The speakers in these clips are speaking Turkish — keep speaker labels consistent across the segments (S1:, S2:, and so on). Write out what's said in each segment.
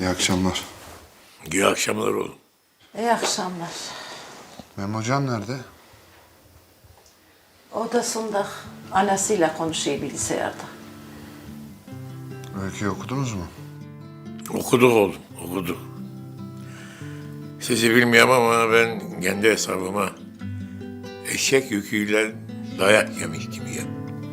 S1: İyi akşamlar.
S2: İyi akşamlar oğlum.
S3: İyi akşamlar.
S1: Memo Can nerede?
S3: Odasında anasıyla konuşuyor bilgisayarda.
S1: Öyküyü okudunuz mu?
S2: Okuduk oğlum, okuduk. Sizi bilmiyorum ama ben kendi hesabıma eşek yüküyle dayak yemiş gibiyim.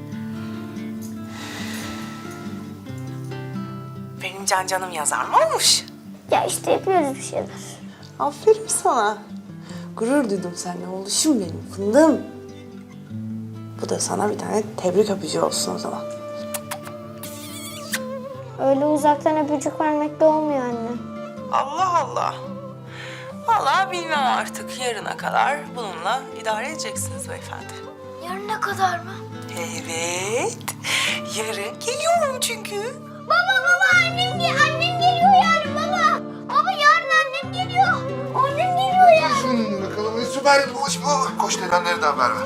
S4: Benim canım yazar mı olmuş?
S5: Ya işte yapıyoruz bir şeyler.
S4: Aferin sana. Gurur duydum seninle oğluşum benim fındığım. Bu da sana bir tane tebrik öpücüğü olsun o zaman.
S5: Öyle uzaktan öpücük vermek de olmuyor anne.
S4: Allah Allah. Vallahi bilmem artık yarına kadar bununla idare edeceksiniz beyefendi.
S5: Yarına kadar mı?
S4: Evet. Yarın geliyorum çünkü.
S5: Baba annem geliyor yarın baba. Baba yarın annem geliyor. Annem geliyor yarın.
S1: Bakalım süper bir boş bu. Koş nedenleri de haber ver.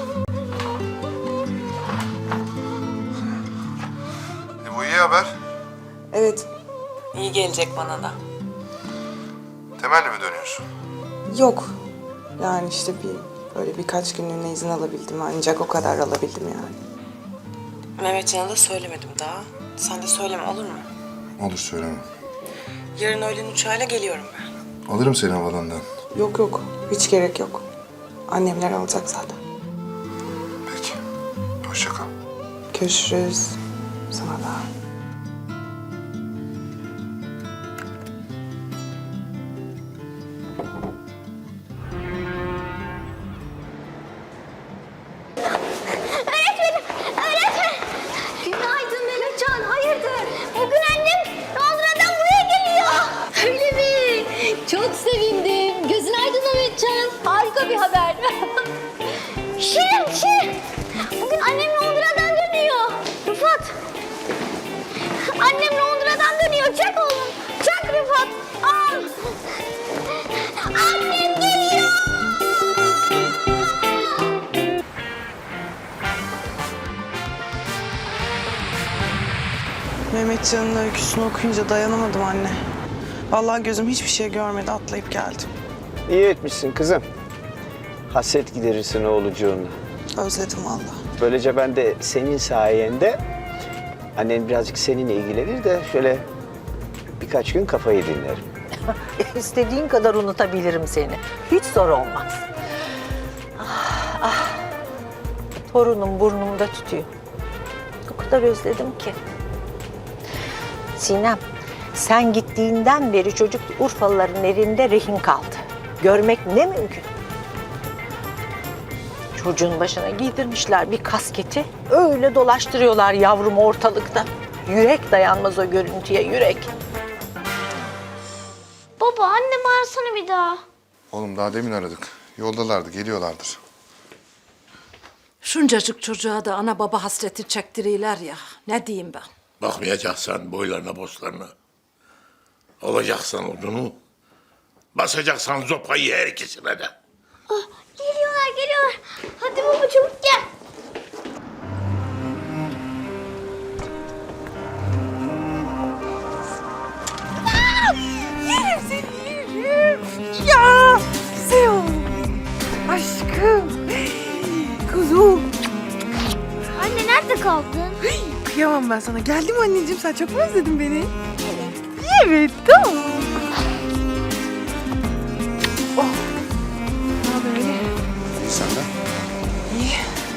S1: Bu iyi haber.
S4: Evet. İyi gelecek bana da.
S1: Temelli mi dönüyorsun?
S4: Yok. Yani işte böyle birkaç günlüğüne izin alabildim. Ancak o kadar alabildim yani. Mehmetcan'a da söylemedim daha. Sen de söyleme olur mu?
S1: Olur söylemem.
S4: Yarın öğlen uçağıyla geliyorum ben.
S1: Alırım seni havalandan.
S4: Yok. Hiç gerek yok. Annemler alacak zaten.
S1: Peki. Hoşça kal.
S4: Görüşürüz. Sana da.
S5: Günaydın Mehmetcan, hayırdır? Bugün annem Londra'dan buraya geliyor. Öyle mi? Çok sevindim. Gözün aydın Mehmetcan. Harika bir haber. Şirin. Bugün annem Londra'dan dönüyor. Rıfat. Annem Londra'dan dönüyor. Çak oğlum. Çak Rıfat. Al. Annem geliyor.
S4: Mehmetcan'ın öyküsünü okuyunca dayanamadım anne. Vallahi gözüm hiçbir şey görmedi, atlayıp geldim.
S6: İyi etmişsin kızım. Hasret giderirsin oğlucuğunla.
S4: Özledim vallahi.
S6: Böylece ben de senin sayende annen birazcık seninle ilgilenir de şöyle birkaç gün kafayı dinlerim.
S7: İstediğin kadar unutabilirim seni. Hiç zor olmaz. Torunum burnumda tütüyor. O kadar özledim ki. Sinem, sen gittiğinden beri çocuk Urfalıların elinde rehin kaldı. Görmek ne mümkün. Çocuğun başına giydirmişler bir kasketi. Öyle dolaştırıyorlar yavrum ortalıkta. Yürek dayanmaz o görüntüye, yürek.
S5: Baba annemi arasana bir daha.
S1: Oğlum daha demin aradık. Yoldalardı, geliyorlardır.
S3: Şuncacık çocuğa da ana baba hasreti çektiriyorlar ya. Ne diyeyim ben?
S2: Bakmayacaksan boylarına boslarına. Alacaksan odunu, basacaksan zopayı her ikisine de.
S5: Geliyorlar. Hadi baba çabuk gel.
S4: Yerim seni, yerim. Ya, güzel oğlum. Aşkım. Kuzum.
S5: Anne nerede kaldın?
S4: Kıyamam ben sana. Geldim anneciğim, sen çok mu özledin beni? Evet, tamam. Oh. Ne haber öyle?
S1: İyi senden.
S4: İyi.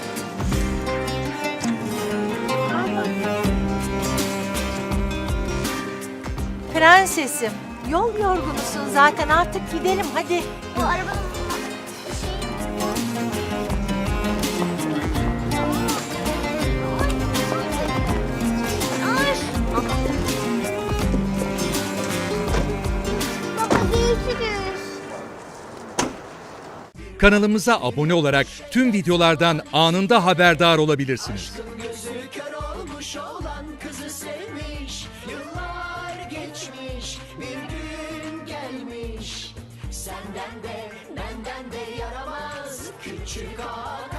S7: Prensesim, yol yorgunusun zaten artık gidelim hadi.
S5: Bu arabanın Baba görüşürüz.
S8: Kanalımıza abone olarak tüm videolardan anında haberdar olabilirsiniz.
S9: Gözü kör olmuş olan kızı sevmiş. Yıllar geçmiş, bir gün gelmiş. Senden de benden de yaramaz küçük ağa.